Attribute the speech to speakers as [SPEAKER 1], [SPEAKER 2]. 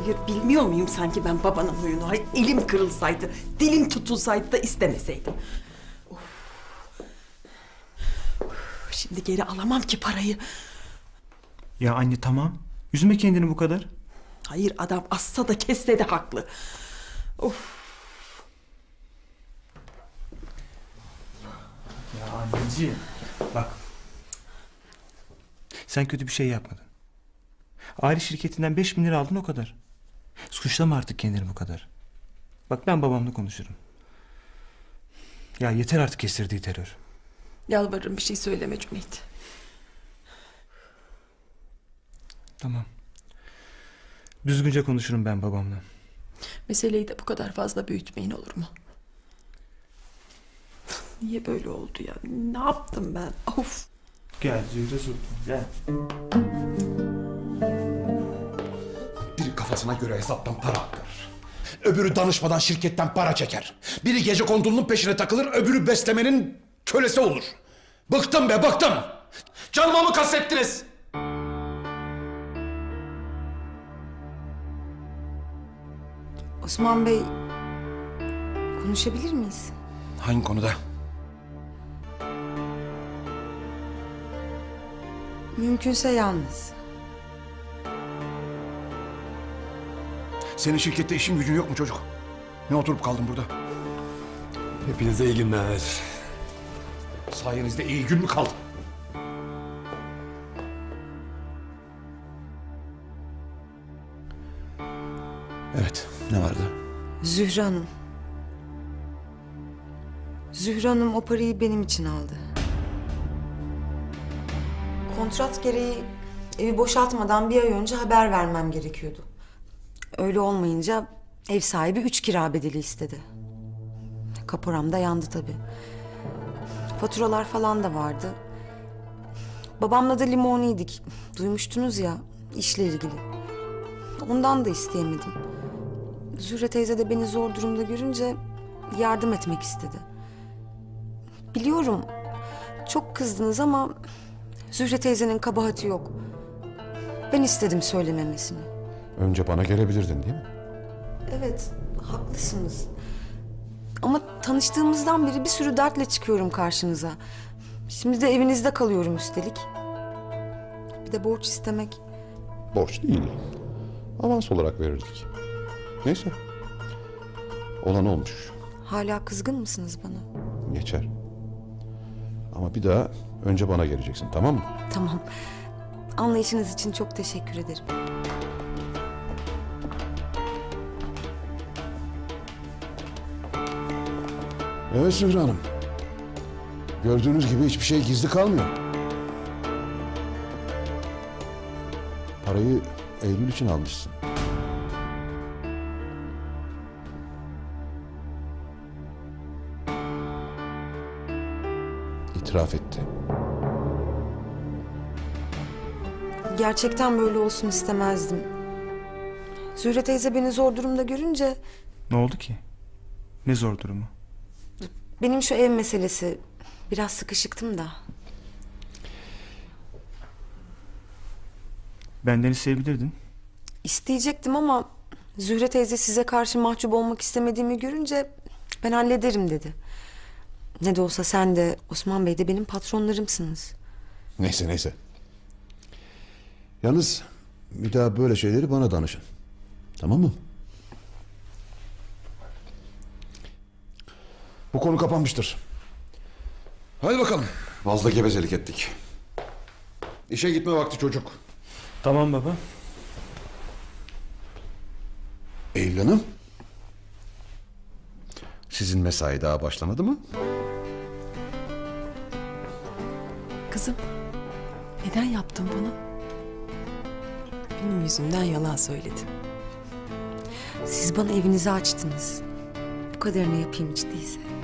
[SPEAKER 1] Hayır, bilmiyor muyum sanki ben babanın huyunu? Hayır, elim kırılsaydı, dilim tutulsaydı da istemeseydim. Of. Şimdi geri alamam ki parayı.
[SPEAKER 2] Ya anne tamam. Üzme kendini bu kadar.
[SPEAKER 1] Hayır, adam assa da kesse de haklı. Of.
[SPEAKER 2] Ya anneciğim. Bak. Sen kötü bir şey yapmadın. Aile şirketinden 5.000 lira aldın, o kadar. Suçlama artık kendini bu kadar. Bak ben babamla konuşurum. Ya yeter artık kestirdiği terör.
[SPEAKER 1] Yalvarırım, bir şey söyleme Cüneyt.
[SPEAKER 2] Tamam. Düzgünce konuşurum ben babamla.
[SPEAKER 1] Meseleyi de bu kadar fazla büyütmeyin, olur mu? Niye böyle oldu ya? Ne yaptım ben? Of.
[SPEAKER 2] Gel Zühre Sultan, gel.
[SPEAKER 3] Biri kafasına göre hesaptan para aktarır. Öbürü danışmadan şirketten para çeker. Biri gecekondulunun peşine takılır, öbürü beslemenin kölesi olur. Bıktım be, bıktım! Canıma mı kastettiniz?
[SPEAKER 4] Osman Bey, konuşabilir miyiz?
[SPEAKER 3] Hangi konuda?
[SPEAKER 4] Mümkünse yalnız.
[SPEAKER 3] Senin şirkette işin gücün yok mu çocuk? Ne oturup kaldın burada?
[SPEAKER 5] Hepinize iyi günler.
[SPEAKER 3] Sayenizde iyi gün mü kaldı? Evet, ne vardı?
[SPEAKER 4] Zühre Hanım. Zühre Hanım o parayı benim için aldı. Kontrat gereği evi boşaltmadan bir ay önce haber vermem gerekiyordu. Öyle olmayınca ev sahibi 3 kira bedeli istedi. Kaporam da yandı tabii. Faturalar falan da vardı. Babamla da limoniydik. Duymuştunuz ya, işle ilgili. Ondan da isteyemedim. Zühre teyze de beni zor durumda görünce yardım etmek istedi. Biliyorum çok kızdınız ama Zühre teyzenin kabahati yok. Ben istedim söylememesini.
[SPEAKER 3] Önce bana gelebilirdin değil mi?
[SPEAKER 4] Evet, haklısınız. Ama tanıştığımızdan beri bir sürü dertle çıkıyorum karşınıza. Şimdi de evinizde kalıyorum üstelik. Bir de borç istemek.
[SPEAKER 6] Borç değil. Avans olarak verirdik. Neyse. Olan olmuş.
[SPEAKER 4] Hala kızgın mısınız bana?
[SPEAKER 6] Geçer. Ama bir daha önce bana geleceksin, tamam mı?
[SPEAKER 4] Tamam. Anlayışınız için çok teşekkür ederim.
[SPEAKER 6] Evet Zühre Hanım. Gördüğünüz gibi hiçbir şey gizli kalmıyor. Parayı Eylül için almışsın. İtiraf etti.
[SPEAKER 4] Gerçekten böyle olsun istemezdim. Zühre teyze beni zor durumda görünce
[SPEAKER 2] Ne oldu ki? Ne zor durumu?
[SPEAKER 4] benim şu ev meselesi, biraz sıkışıktım da.
[SPEAKER 2] Benden isteyebilirdin.
[SPEAKER 4] İsteyecektim ama Zühre teyze size karşı mahcup olmak istemediğimi görünce ben hallederim dedi. Ne de olsa sen de Osman Bey de benim patronlarımsınız.
[SPEAKER 6] Neyse neyse. Yalnız bir daha böyle şeyleri bana danışın. Tamam mı?
[SPEAKER 3] Bu konu kapanmıştır. Hadi bakalım.
[SPEAKER 6] Fazla gevezelik ettik. İşe gitme vakti çocuk.
[SPEAKER 2] Tamam baba.
[SPEAKER 6] Eylül Hanım. Sizin mesai daha başlamadı mı?
[SPEAKER 1] Kızım, neden yaptın bunu? Benim yüzümden yalan söyledin.
[SPEAKER 4] Siz bana evinizi açtınız. Bu kadarını yapayım hiç değilse.